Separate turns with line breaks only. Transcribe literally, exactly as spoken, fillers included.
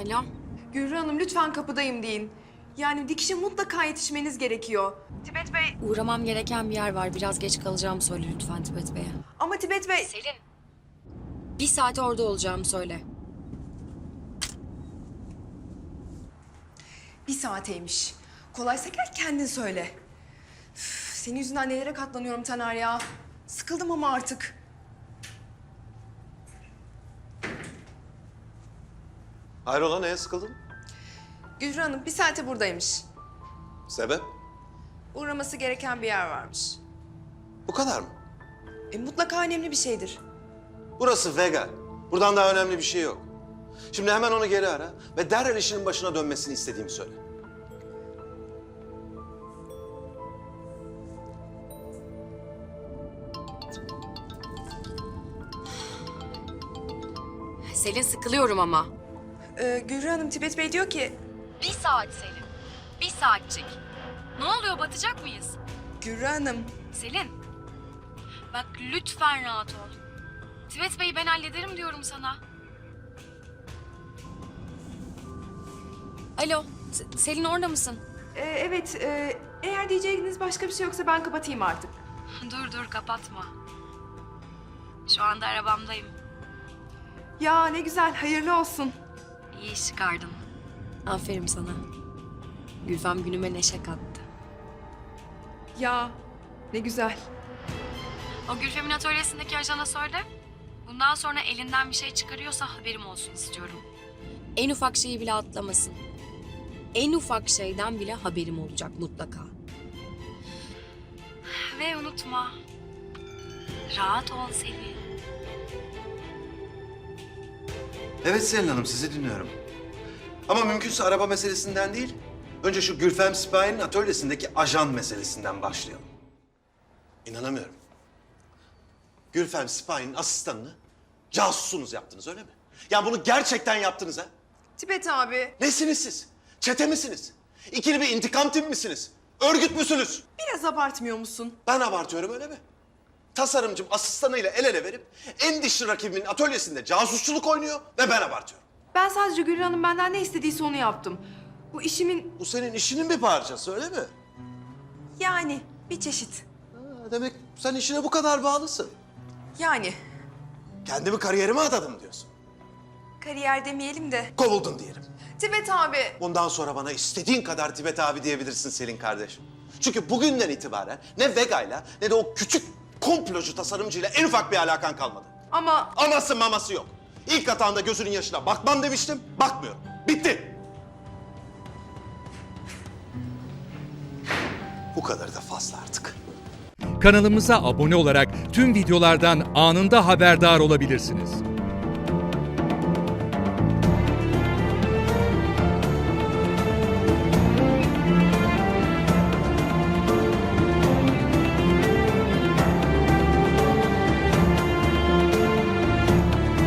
Alo.
Gülru Hanım lütfen kapıdayım deyin. Yani dikişe mutlaka yetişmeniz gerekiyor. Tibet Bey...
Uğramam gereken bir yer var. Biraz geç kalacağımı söyle lütfen Tibet Bey'e.
Ama Tibet Bey...
Selin. Bir saate orada olacağımı söyle.
Bir saateymiş. Kolaysa gel kendin söyle. Üf, senin yüzünden nelere katlanıyorum Taner ya. Sıkıldım ama artık.
Hayrola, neye sıkıldın?
Gülru Hanım bir saate buradaymış.
Sebep?
Uğraması gereken bir yer varmış.
Bu kadar mı?
E, mutlaka önemli bir şeydir.
Burası Vega. Buradan daha önemli bir şey yok. Şimdi hemen onu geri ara ve derhal işinin başına dönmesini istediğimi söyle.
Selin sıkılıyorum ama.
Ee, Gülru Hanım Tibet Bey diyor ki...
Bir saat Selin. Bir saatcik. Ne oluyor, batacak mıyız?
Gülru Hanım...
Selin. Bak lütfen rahat ol. Tibet Bey'i ben hallederim diyorum sana. Alo. Se- Selin orada mısın?
e, evet, e, eğer diyeceğiniz başka bir şey yoksa ben kapatayım artık.
Dur dur kapatma. Şu anda arabamdayım.
Ya ne güzel, hayırlı olsun.
İyi iş çıkardın. Aferin sana. Gülfem günüme neşe kattı.
Ya ne güzel.
O Gülfem'in atölyesindeki ajana söyle. Bundan sonra elinden bir şey çıkarıyorsa haberim olsun istiyorum. En ufak şeyi bile atlamasın. En ufak şeyden bile haberim olacak mutlaka. Ve unutma. Rahat ol Selin.
Evet Selin Hanım, sizi dinliyorum. Ama mümkünse araba meselesinden değil, önce şu Gülfem Sipahi'nin atölyesindeki ajan meselesinden başlayalım. İnanamıyorum. Gülfem Sipahi'nin asistanını casusunuz yaptınız, öyle mi? Ya bunu gerçekten yaptınız ha?
Tibet abi,
Nesiniz siz? Çete misiniz? İkili bir intikam timi misiniz? Örgüt müsünüz?
biraz abartmıyor musun?
Ben abartıyorum, öyle mi? Tasarımcım asistanıyla el ele verip en dişli rakibimin atölyesinde casusçuluk oynuyor ve ben abartıyorum.
Ben sadece Gülru Hanım benden ne istediyse onu yaptım. Bu işimin
Bu senin işinin bir parçası, öyle mi?
yani bir çeşit.
Ha, demek sen işine bu kadar bağlısın.
Yani
Kendimi kariyerime adadım diyorsun.
kariyer demeyelim de.
Kovuldun diyelim.
Tibet abi.
Bundan sonra bana istediğin kadar Tibet abi diyebilirsin Selin kardeşim. Çünkü bugünden itibaren ne Vega'yla ne de o küçük komplocu tasarımcıyla en ufak bir alakan kalmadı.
Ama
Aması maması yok. İlk hatanda gözünün yaşına bakmam demiştim, bakmıyorum. Bitti. Bu kadar da fazla artık.
Kanalımıza abone olarak tüm videolardan anında haberdar olabilirsiniz.